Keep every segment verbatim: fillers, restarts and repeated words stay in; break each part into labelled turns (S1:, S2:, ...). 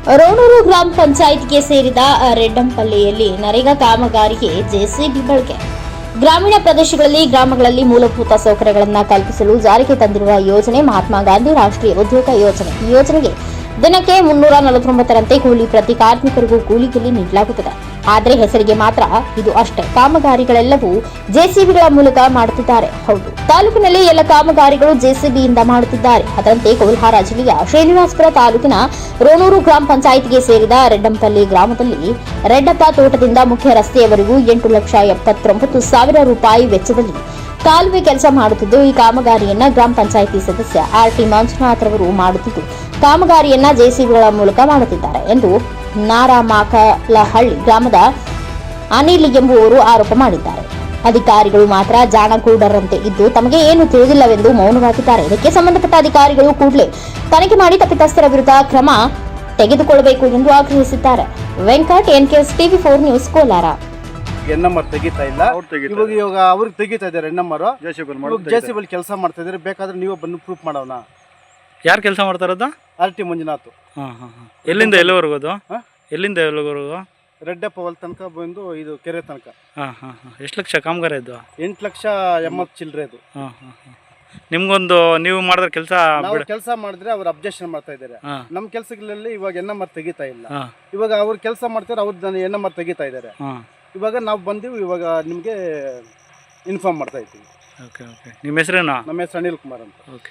S1: ರೋಣೂರು ಗ್ರಾಮ ಪಂಚಾಯತ್ಗೆ ಸೇರಿದ ರೆಡ್ಡಂಪಲ್ಲಿಯಲ್ಲಿ ನರೇಗಾ ಕಾಮಗಾರಿಗೆ ಜೆಸಿಬಿ ಬಳಕೆ. ಗ್ರಾಮೀಣ ಪ್ರದೇಶಗಳಲ್ಲಿ ಗ್ರಾಮಗಳಲ್ಲಿ ಮೂಲಭೂತ ಸೌಕರ್ಯಗಳನ್ನು ಕಲ್ಪಿಸಲು ಜಾರಿಗೆ ತಂದಿರುವ ಯೋಜನೆ ಮಹಾತ್ಮ ಗಾಂಧಿ ರಾಷ್ಟ್ರೀಯ ಉದ್ಯೋಗ ಯೋಜನೆ. ಈ ಯೋಜನೆಗೆ ದಿನಕ್ಕೆ ಮುನ್ನೂರ ನಲವತ್ತೊಂಬತ್ತರಂತೆ ಕೂಲಿ ಪ್ರತಿ ಕಾರ್ಮಿಕರಿಗೂ ಕೂಲಿಯಲ್ಲಿ ನೀಡಲಾಗುತ್ತದೆ. ಆದರೆ ಹೆಸರಿಗೆ ಮಾತ್ರ ಇದು ಅಷ್ಟೇ. ಕಾಮಗಾರಿಗಳೆಲ್ಲವೂ ಜೆಸಿಬಿಗಳ ಮೂಲಕ ಮಾಡುತ್ತಿದ್ದಾರೆ. ಹೌದು, ತಾಲೂಕಿನಲ್ಲಿ ಎಲ್ಲ ಕಾಮಗಾರಿಗಳು ಜೆಸಿಬಿಯಿಂದ ಮಾಡುತ್ತಿದ್ದಾರೆ. ಅದರಂತೆ ಕೋಲಾರ ಜಿಲ್ಲೆಯ ಶ್ರೀನಿವಾಸಪುರ ತಾಲೂಕಿನ ರೋಣೂರು ಗ್ರಾಮ ಪಂಚಾಯಿತಿಗೆ ಸೇರಿದ ರೆಡ್ಡಂಪಲ್ಲಿ ಗ್ರಾಮದಲ್ಲಿ ರೆಡ್ಡಪ್ಪ ತೋಟದಿಂದ ಮುಖ್ಯ ರಸ್ತೆಯವರೆಗೂ ಎಂಟು ಲಕ್ಷ ಎಪ್ಪತ್ತೊಂಬತ್ತು ಸಾವಿರ ರೂಪಾಯಿ ವೆಚ್ಚದಲ್ಲಿ ಕಾಲುವೆ ಕೆಲಸ ಮಾಡುತ್ತಿದ್ದು, ಈ ಕಾಮಗಾರಿಯನ್ನ ಗ್ರಾಮ ಪಂಚಾಯಿತಿ ಸದಸ್ಯ ಆರ್ ಟಿ ಮಂಜುನಾಥ್ ರವರು ಮಾಡುತ್ತಿದ್ದು, ಕಾಮಗಾರಿಯನ್ನ ಜೆಸಿಬಿಗಳ ಮೂಲಕ ಮಾಡುತ್ತಿದ್ದಾರೆ ಎಂದು ನಾರಾಮಾಕಲಹಳ್ಳಿ ಗ್ರಾಮದ ಅನಿಲ್ ಎಂಬುವರು ಆರೋಪ ಮಾಡಿದ್ದಾರೆ. ಅಧಿಕಾರಿಗಳು ಮಾತ್ರ ಜಾಣಗೂಡರಂತೆ ಇದ್ದು ತಮಗೆ ಏನು ತಿಳಿದಿಲ್ಲವೆಂದು ಮೌನವಾಗಿದ್ದಾರೆ. ಇದಕ್ಕೆ ಸಂಬಂಧಪಟ್ಟ ಅಧಿಕಾರಿಗಳು ಕೂಡಲೇ ತನಿಖೆ ಮಾಡಿ ತಪ್ಪಿತಸ್ಥರ ವಿರುದ್ಧ ಕ್ರಮ ತೆಗೆದುಕೊಳ್ಳಬೇಕು ಎಂದು ಆಗ್ರಹಿಸಿದ್ದಾರೆ. Venkat, NKS TV four news, Kolar.
S2: ಎನ್ ನಂಬರ್ ತೆಗಿತಾ ಇಲ್ಲ, ಇವಾಗ ಇವಾಗ ಅವ್ರಿಗೆ ತೆಗಿತಾ ಇದ್ದಾರೆ. ಎನ್ ನಂಬರ್ ಜೆಸಿಬಿ ಕೆಲಸ ಮಾಡ್ತಾ ಇದ್ದಾರೆ. ಬೇಕಾದ್ರೆ ನೀವು ಬಂದು ಪ್ರೂಫ್ ಮಾಡೋಣ.
S3: ಯಾರು ಕೆಲಸ ಮಾಡ್ತಾ ಇರೋದು?
S2: R T Manjunath.
S3: ಹಾಂ ಹಾಂ ಹಾಂ ಎಲ್ಲಿಂದ ಎಲ್ಲಿವರೆಗೂ ಅದು? ಎಲ್ಲಿಂದ ಎಲ್ಲಿವರೆಗೂ?
S2: ರೆಡ್ಡಪ್ಪ ಹೊಲ ತನಕ ಬಂದು ಇದು ಕೆರೆ ತನಕ.
S3: ಹಾಂ ಹಾಂ ಹಾಂ ಎಷ್ಟು ಲಕ್ಷ ಕಾಮಗಾರ ಇದು?
S2: ಎಂಟು ಲಕ್ಷ ಎಂಬತ್ತು ಚಿಲ್ಲರೆ ಅದು.
S3: ಹಾಂ ಹಾಂ ಹಾಂ ನಿಮ್ಗೊಂದು ನೀವು ಮಾಡಿದ್ರೆ ಕೆಲಸ
S2: ಕೆಲಸ ಮಾಡಿದ್ರೆ ಅವ್ರು ಅಬ್ಜೆಕ್ಷನ್ ಮಾಡ್ತಾ ಇದ್ದಾರೆ. ನಮ್ಮ ಕೆಲಸಗಳಲ್ಲಿ ಇವಾಗ ಎನ್ ನಂಬರ್ ತೆಗಿತಾ ಇಲ್ಲ. ಇವಾಗ ಅವ್ರು ಕೆಲಸ ಮಾಡ್ತಾರೆ, ಅವ್ರು ಎನ್ ನಂಬರ್ ತೆಗಿತಾ ಇದ್ದಾರೆ. ಇವಾಗ ನಾವು ಬಂದೀವಿ, ಇವಾಗ ನಿಮಗೆ ಇನ್ಫಾರ್ಮ್ ಮಾಡ್ತಾ ಇದ್ದೀವಿ.
S3: ಓಕೆ ಓಕೆ ನಿಮ್ಮ ಹೆಸರೇನಾ?
S2: ನಮ್ಮ ಹೆಸರು ಅನಿಲ್ ಕುಮಾರ್ ಅಂತ.
S3: ಓಕೆ.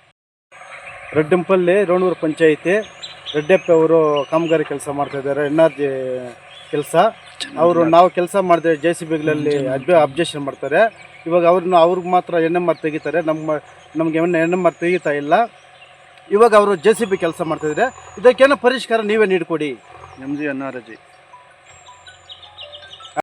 S2: ರೆಡ್ಡಂಪಲ್ಲಿ ರೋಣೂರು ಪಂಚಾಯಿತಿ ರೆಡ್ಡಪ್ಪ ಅವರು ಕಾಮಗಾರಿ ಕೆಲಸ ಮಾಡ್ತಾ ಇದ್ದಾರೆ. ಎನ್ ಆರ್ ಜಿ ಕೆಲಸ ಅವರು ನಾವು ಕೆಲಸ ಮಾಡಿದ್ರೆ ಜೆ ಸಿ ಬಿಗಳಲ್ಲಿ ಅಬ್ಜೆಕ್ಷನ್ ಮಾಡ್ತಾರೆ. ಇವಾಗ ಅವ್ರನ್ನ ಅವ್ರಿಗೆ ಮಾತ್ರ ಎನ್ ಎಮ್ ಆರ್ ತೆಗಿತಾರೆ, ನಮ್ಮ ನಮಗೆ ಎನ್ ಎಮ್ ಆರ್ ತೆಗಿತಾ ಇಲ್ಲ. ಇವಾಗ ಅವರು ಜೆ ಸಿ ಬಿ ಕೆಲಸ ಮಾಡ್ತಾಯಿದ್ದಾರೆ. ಇದಕ್ಕೇನೋ ಪರಿಷ್ಕಾರ ನೀವೇ ನೀಡಿಕೊಡಿ.
S4: M G N R G